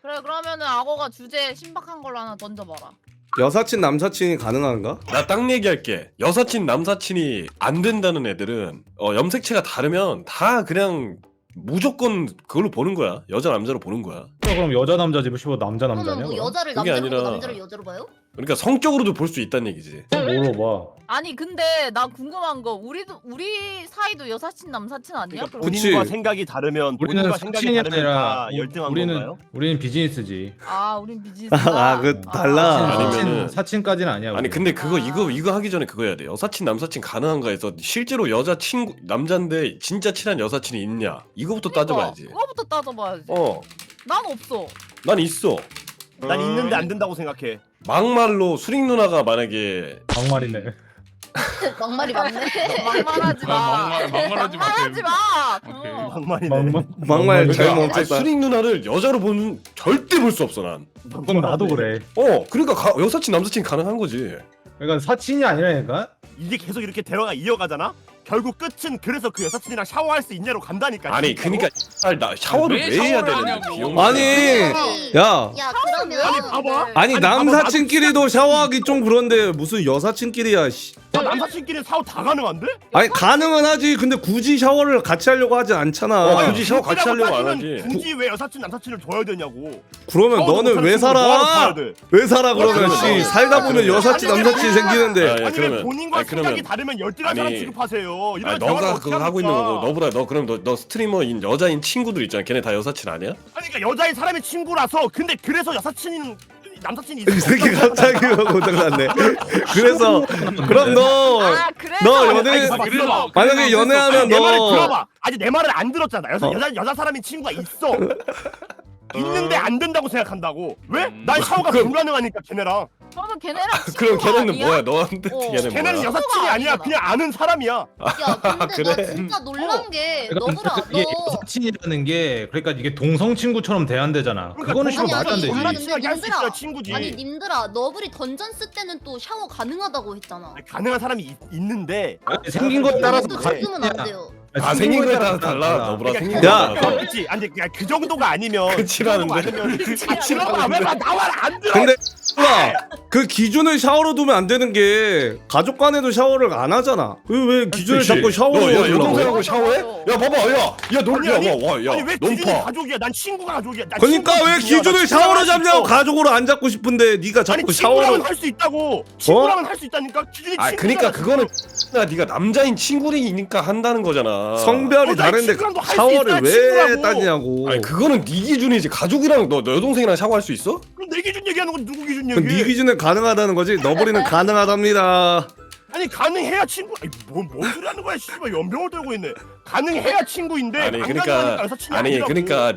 그래 그러면은 악어가 주제 신박한 걸로 하나 던져봐라. 여사친 남사친이 가능한가? 나 딱 얘기할게. 여사친 남사친이 안 된다는 애들은 염색체가 다르면 다 그냥 무조건 그걸로 보는 거야. 여자 남자로 보는 거야. 그럼 여자 남자지 뭐 남자 그러면 남자냐? 뭐 그럼? 여자를 그게 남자로 보고 아니라- 남자를 여자로 봐요? 그러니까 성적으로도 볼 수 있다는 얘기지. 뭐로 봐? 아니 근데 나 궁금한 거 우리 사이도 여사친 남사친 아니야? 그러니까 그럼? 그치. 본인과 생각이 다르면 우리는 본인과 생각이 사친이 다르면 아니라 다 열등한 건가요? 우리는 비즈니스지. 아 우린 비즈니스. 아, 그 달라. 아니면은- 사친까지는 아니야. 아니 우리. 근데 이거 하기 전에 그거 해야 돼. 여사친 남사친 가능한가 해서 실제로 여자 친구 남잔데 진짜 친한 여사친이 있냐 이거부터 따져봐야지. 그거부터 따져봐야지. 난 없어. 난 있어. 난 있는데 안 된다고 생각해. 막말로 수링 누나가 만약에 막말이네. 막말이 맞네. 막말하지 마. 막말하지 마. 막말하지 마. 오케이. 막말이네. 막말 잘 아니, 멈췄다. 수링 누나를 여자로 보는 절대 볼 수 없어 난. 그럼 나도 그래. 그러니까 여사친 남사친 가능한 거지. 그러니까 사친이 아니라니까. 이게 계속 이렇게 대화가 이어가잖아? 결국 끝은 그래서 그 여사친이랑 샤워할 수 있냐로 간다니까. 아니 진짜로? 그러니까 나 샤워를 왜 왜 해야 샤워를 되는데 하냐고. 비용. 아니, 야. 야 그러면 아니, 봐봐. 아니 아니, 남사친끼리도 샤워하기 좀 그런데 무슨 여사친끼리야. 씨. 남사친끼리 샤워 다 가능한데? 아니 가능은 하지. 근데 굳이 샤워를 같이 하려고 하지 않잖아. 굳이 샤워 같이 하려고 안 따지면 하지. 굳이 왜 여사친 남사친을 줘야 되냐고. 그러면 샤워도 너는 못하는 왜 친구 뭐하러 살아? 봐야 돼? 왜 살아 그러면? 그러면 씨 너- 살다 보면 그러면- 여사친 아니, 남사친 아니, 생기는데. 아니, 아니 왜 그러면- 본인과 아니, 그러면- 생각이 다르면 열등한 사람 아니, 취급하세요. 이런 너가 대화를 그거 어떻게 하고 있는 거고 합니까? 너보다 너 그럼 너 스트리머인 여자인 친구들 있잖아. 걔네 다 여사친 아니야? 아니 그러니까 여자인 사람의 친구라서 근데 그래서 여사친 남사친이 이 새끼 갑자기 고장났네. 그래서 그럼 너 아 그래서. 너 아니, 연애 봐봐, 그래서- 들어봐. 만약에 연애하면 아니, 내 말을 너 들어봐. 아직 내 말을 안 들었잖아. 어. 여자 사람이 친구가 있어. 있는데 안 된다고 생각한다고. 왜? 난 뭐, 샤워가 그럼- 불가능하니까 걔네랑. 그러면 걔네랑 그럼 친구가 걔네는 아니야? 뭐야? 너한테 어. 걔네 걔네는 뭐야? 여사친이 아니야. 아니잖아. 그냥 아는 사람이야. 야 근데 나 그래? 진짜 놀란 게 그러니까 너구라 이게 너 사친이라는 게 그러니까 이게 동성 친구처럼 대한대잖아. 그거는 그러니까 좀 말도 안 아니, 되지. 아니, 친하게 할 수 있어야 님들아. 친구지. 아니 님들아 너블이 던전스 때는 또 샤워 가능하다고 했잖아. 가능한 사람이 있는데 생긴 거에 따라서 또 가- 지금은 안 돼요. 생긴 거에 따라 달라. 너보라 그러니까 생긴 야. 거에 따라 달라. 그렇지. 아니 그 정도가 아니면 그치라는데. 그치라고 왜나 말 안 들어? 근데 그 기준을 샤워로 두면 안 되는 게 가족 간에도 샤워를 안 하잖아. 왜 기준을 그치. 자꾸 샤워로 너, 야, 두려고? 여동생하고 샤워해? 야 봐봐 야 놀려 아니, 와야 아니 왜 기준이 논파. 가족이야? 난 친구가 가족이야. 난 그러니까 친구가 왜 기준이야. 기준을 난 샤워로 친구랑 잡냐고. 할수 있어. 가족으로 안 잡고 싶은데 네가 아니 자꾸 친구랑은 샤워를. 할 수 있다고. 친구랑은 할 수 있다니까. 기준이 아 그러니까 그거는 네가 남자인 친구이니까 한다는 거잖아. 성별이 난 다른데 친구랑도 할수 샤워를 있다, 왜 친구라고. 따지냐고. 아니 그거는 네 기준이지. 가족이랑 너 여동생이랑 샤워할 수 있어? 그럼 내 기준 얘기하는 건 누구 기준 그럼 네 얘기? 기준에 가능하다는 거지. 너버리는 가능하답니다. 아니 가능해야 친구. 아니 뭔 소리 하는 거야? 씨발 연병을 떨고 있네. 가능해야 친구인데 아니 안 그러니까 가능하니까 여사친이 아니 아니라고. 그러니까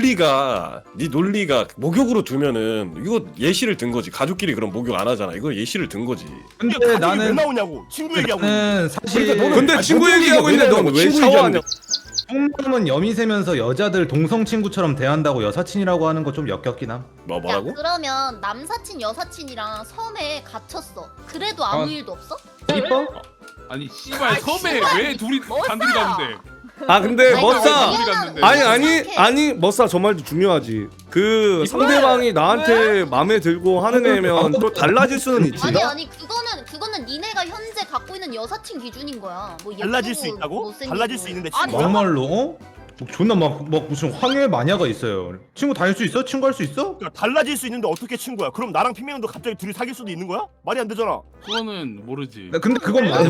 네 논리가 목욕으로 두면은 이거 예시를 든 거지. 가족끼리 그럼 목욕 안 하잖아. 이거 예시를 든 거지. 근데 근데 가족이 왜 나는 나오냐고. 친구 얘기하고 있는데. 나는 사실 그러니까 너는- 근데 아니, 친구 목욕이가 얘기하고 있는데 뭐냐고, 넌 왜 친구 샤워하냐? 속마음은 염이 새면서 여자들 동성 친구처럼 대한다고 여사친이라고 하는 거 좀 역겹긴 함. 뭐라고? 야 그러면 남사친 여사친이랑 섬에 갇혔어. 그래도 아무 아. 일도 없어? 이뻐? 아니 씨발 섬에 왜 둘이 멋있어. 단둘이 가는데? 아 근데 아니, 멋사. 왜냐면 갔는데. 아니 멋사 저 말도 중요하지. 그 상대방이 나한테 마음에 들고 하는 애면 또 달라질 수는 있지. 아니 그거는 니네가 현재 갖고 있는 여사친 기준인 거야. 뭐 달라질 수 예쁘고 있다고? 못생기고. 달라질 수 있는데 아니, 친구가? 막말로 어? 존나 막 무슨 황해 마녀가 있어요. 친구 다닐 수 있어? 친구 할 수 있어? 그러니까 달라질 수 있는데 어떻게 친구야? 그럼 나랑 핑맨도 갑자기 둘이 사귈 수도 있는 거야? 말이 안 되잖아. 그거는 모르지. 근데 그건 맞아.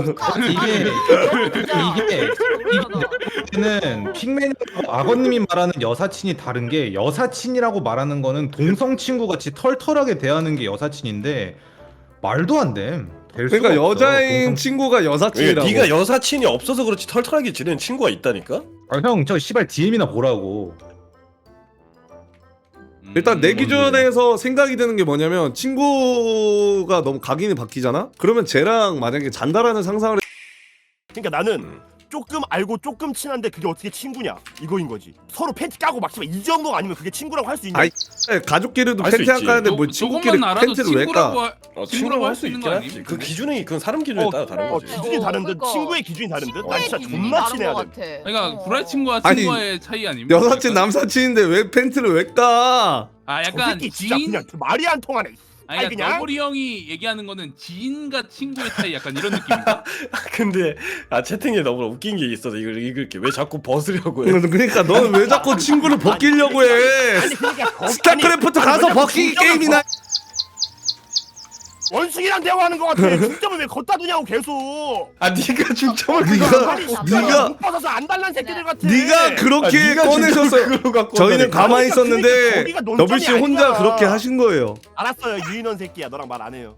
이게 이게 는 핑맨이랑 악어님이 말하는 여사친이 다른 게 여사친이라고 말하는 거는 동성 친구 같이 털털하게 대하는 게 여사친인데 말도 안 돼. 될 수가 그러니까 없어, 여자인 동성- 친구가 여사친이라고. 네가 여사친이 없어서 그렇지 털털하게 지내는 친구가 있다니까? 아, 형, 저 씨발 DM이나 보라고. 일단 내 기준에서 생각이 드는 게 뭐냐면 친구가 너무 각인이 바뀌잖아? 그러면 쟤랑 만약에 잔다라는 상상을 그러니까 나는 조금 알고 조금 친한데 그게 어떻게 친구냐 이거인 거지. 서로 팬티 까고 막 씨발 이 정도 아니면 그게 친구라고 할 수 있냐? 아이, 가족끼리도 할수 팬티 안 있지. 까는데 뭐 친구끼리 조금만 알아도 팬티를 왜 까? 친구라고 친구라고 할 수 있는 있긴 거 하지. 아니에요? 그 기준이 그건 사람 기준에 따라 다른 거지. 기준이 다른 듯 그러니까. 친구의 기준이 다른 듯. 나 친구의 진짜 기준이 존나 다른 친해야 것 돼. 같아. 그러니까 불알 친구와 아니, 친구와의 차이 아닙니까? 여사친 남사친인데 왜 팬티를 왜 까? 아 저 약간 새끼 진짜 지인 그냥 말이 안 통하네. 아니 아니, 그냥? 너구리 형이 얘기하는 거는 지인과 친구의 차이 약간 이런 느낌인가? 근데 채팅에 너무 웃긴 게 있어서 이걸 읽을게. 왜 자꾸 벗으려고 해? 그러니까 너는 왜 자꾸 친구를 벗기려고 해? 아니 그러니까 스타크래프트 가서 벗기기 게임이나. 원숭이랑 대화하는 것 같아. 중점을 왜 걷다 두냐고 계속. 아 네가 중점을 네가 못 받아서 안 달란 새끼들 같아. 네가 그렇게 꺼내셨어요. 저희는 가만히 있었는데 거기가 논점이 너블 씨 혼자 아니잖아. 그렇게 하신 거예요. 알았어요 유인원 새끼야. 너랑 말 안 해요.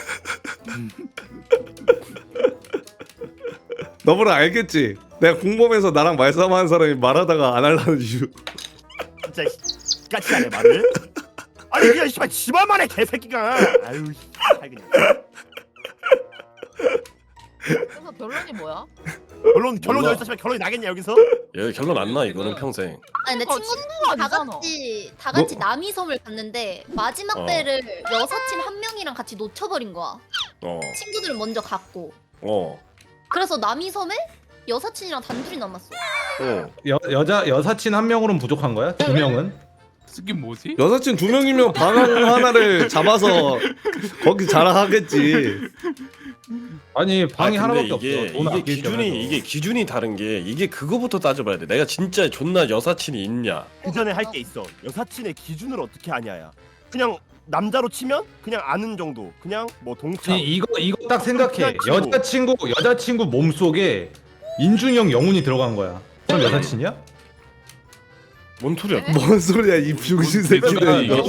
너블은 알겠지? 내가 공범에서 나랑 말싸움하는 사람이 말하다가 안 하려는 이유. 진짜 같이 하네 말을. 아니 그냥 씨발 집안만 해 개새끼가. 아유 씨발 그냥. 그래서 결론이 뭐야? 결론 몰라. 여기서 씨발 결론이 나겠냐 여기서? 얘 결론 안 나 이거는 평생. 아니 근데 그러니까 친구가 다 아니잖아. 같이 남이섬을 갔는데 마지막 어. 배를 여사친 한 명이랑 같이 놓쳐버린 거야. 어. 친구들을 먼저 갔고. 어. 그래서 남이섬에 여사친이랑 단둘이 남았어. 어. 여사친 한 명으로는 부족한 거야? 두 명은? 쓰긴 뭐지? 여사친 2명이면 방 하나를 잡아서 거기 자랑하겠지. 아니 방이 아, 근데 하나밖에 없어. 돈 아낄 이게 기준이 다른 게 이게 그거부터 따져봐야 돼. 내가 진짜 존나 여사친이 있냐? 그 전에 할 게 있어. 여사친의 기준을 어떻게 하냐야. 그냥 남자로 치면 그냥 아는 정도. 그냥 뭐 동창. 아니 이거 딱 생각해. 그냥 친구. 여자친구 몸속에 인중이 형 영혼이 들어간 거야. 그럼 여사친이야? 뭔 소리야? 뭔 소리야 이 병신 새끼들 이거.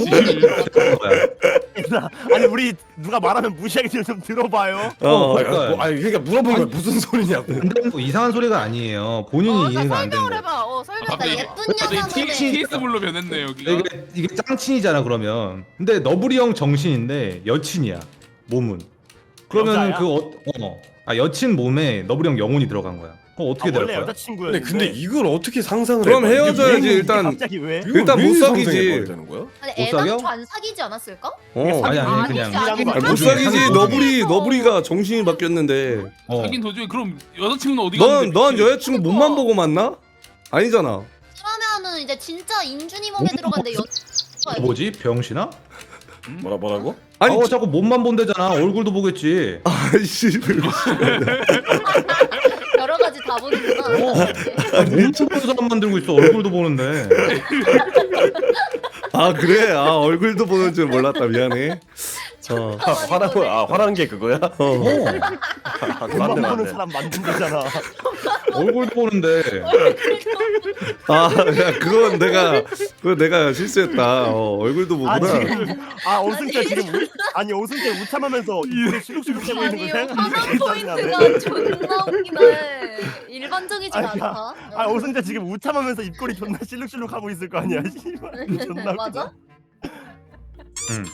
아니 우리 누가 말하면 무시하게 좀 들어봐요. 그러니까. 그러니까 물어본 거야 무슨 소리냐고. 근데 뭐 이상한 소리가 아니에요. 본인이 이해가 안 되는 설명을 거야. 해봐. 설명. 그러니까 예쁜 여자분의 TS물로 변했네 여기가. 이게 짱친이잖아 그러면. 근데 너브리 형 정신인데 여친이야 몸은. 그러면 여자야? 여친 몸에 너브리 형 영혼이 들어간 거야. 그럼 어떻게 될 원래 거야? 여자친구였는데. 근데 이걸 어떻게 상상을 그럼 해봐? 이게 헤어져야지, 왜- 일단. 갑자기 왜? 이걸 일단 왜 못 상상해 사귀지. 봐야 되는 거야? 아니 못 사겨? 애당초 안 사귀지 않았을까? 아니 아니, 그냥 아니, 아니, 못 사귀지. 너브리가 정신이 바뀌었는데. 사귄 도중에 그럼 여자친구는 어디 갔는데? 넌 여자친구 몸만 보고 만나? 아니잖아. 그러면은 이제 진짜 인준이 몸에 들어갔는데 뭐지 병신아? 뭐라고? 아니 자꾸 몸만 본대잖아. 얼굴도 보겠지. 아이씨. 여러 가지 다 보는구나. 몸도 보는 사람만 들고 있어. 얼굴도 보는데. 아 그래? 아 얼굴도 보는 줄 몰랐다. 미안해. 화난 게 그거야? 돈만 맞네. 버는 사람 만든 거잖아. 얼굴도 보는데. 그건 내가 실수했다. 얼굴도 보구나. 오승태 지금 아니 오승태 우참하면서 입술이 시룩시룩 되고 있는 거 아니 생각해. 화난 포인트가 존나 웃기네. 일반적이지가 아니, 않다. 오승태 지금 우참하면서 입꼬리 존나 실룩실룩 하고 있을 거 아니야. 씨발. 존나 맞아? 응.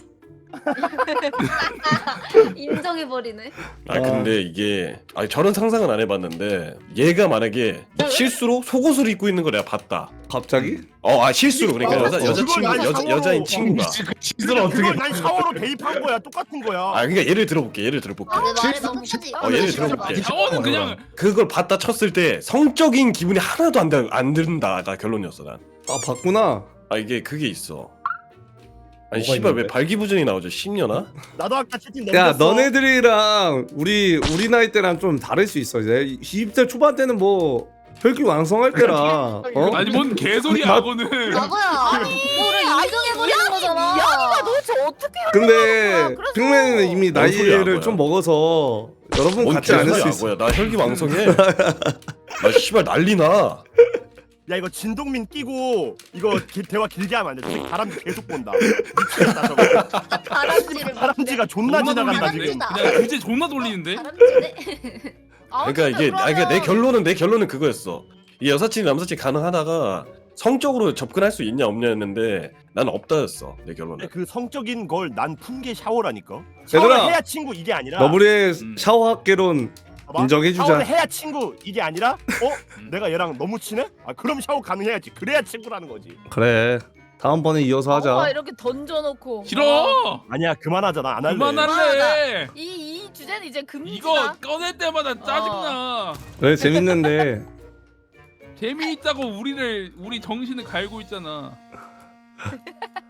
인정해버리네. 근데 이게 저런 상상은 안 해봤는데 얘가 만약에 실수로 속옷을 입고 있는 걸 내가 봤다. 갑자기? 실수로 그러니까 그걸 난 여자인 상호로- 친구가. 짓을 어떻게? 그걸 난 샤워로 대입한 거야. 똑같은 거야. 그러니까 예를 들어볼게. 내 말에 너무 크지? 예를 들어볼게. 샤워는 그냥 그걸 봤다 쳤을 때 성적인 기분이 하나도 안 든다가 결론이었어 난. 봤구나. 이게 그게 있어. 아니 뭐가 씨발 왜 있는데? 발기부전이 나오죠? 10년아? 나도 아까 채팅 야 넘겼어. 너네들이랑 우리 나이 때랑 좀 다를 수 있어. 이제 20대 초반 때는 뭐 혈기 왕성할 때라. 아니 뭔 개소리야 그거는. 나고야. 뭐를 인정해버리는 거잖아. 미안이가 도대체 어떻게 근데 그래서- 핑맨은 이미 뭔 소리야, 나이를 뭐야. 좀 먹어서 여러분 뭔 같지 않을 수 개소리야, 있어. 뭐야. 나 혈기 왕성해. 나 씨발 난리나. 야 이거 진동민 끼고 이거 대화 길게 하면 안 돼. 저기 다람쥐 계속 본다. 미치겠다 저거. 다람쥐를 다람쥐가 존나 지나간다 돌리는데? 지금. 그냥 주제 존나 돌리는데? 다람쥐네. 그러니까 이게 내 결론은 그거였어. 이 여사친 남사친 가능하다가 성적으로 접근할 수 있냐 없냐였는데 난 없다였어 내 결론은. 근데 그 성적인 걸 난 푼 게 샤워라니까. 얘들아, 샤워를 해야 친구 이게 아니라. 너블의 샤워학개론 봐봐. 인정해주자. 샤워를 해야 친구 이게 아니라 내가 얘랑 너무 친해? 아 그럼 샤워 가능해야지. 그래야 친구라는 거지. 그래. 다음번에 이어서 하자. 이렇게 던져놓고. 싫어. 아니야 그만하자. 나 안 할래. 그만할래. 이 주제는 이제 금지다. 이거 꺼낼 때마다 짜증나. 왜 재밌는데? 재미있다고 우리 정신을 갈고 있잖아.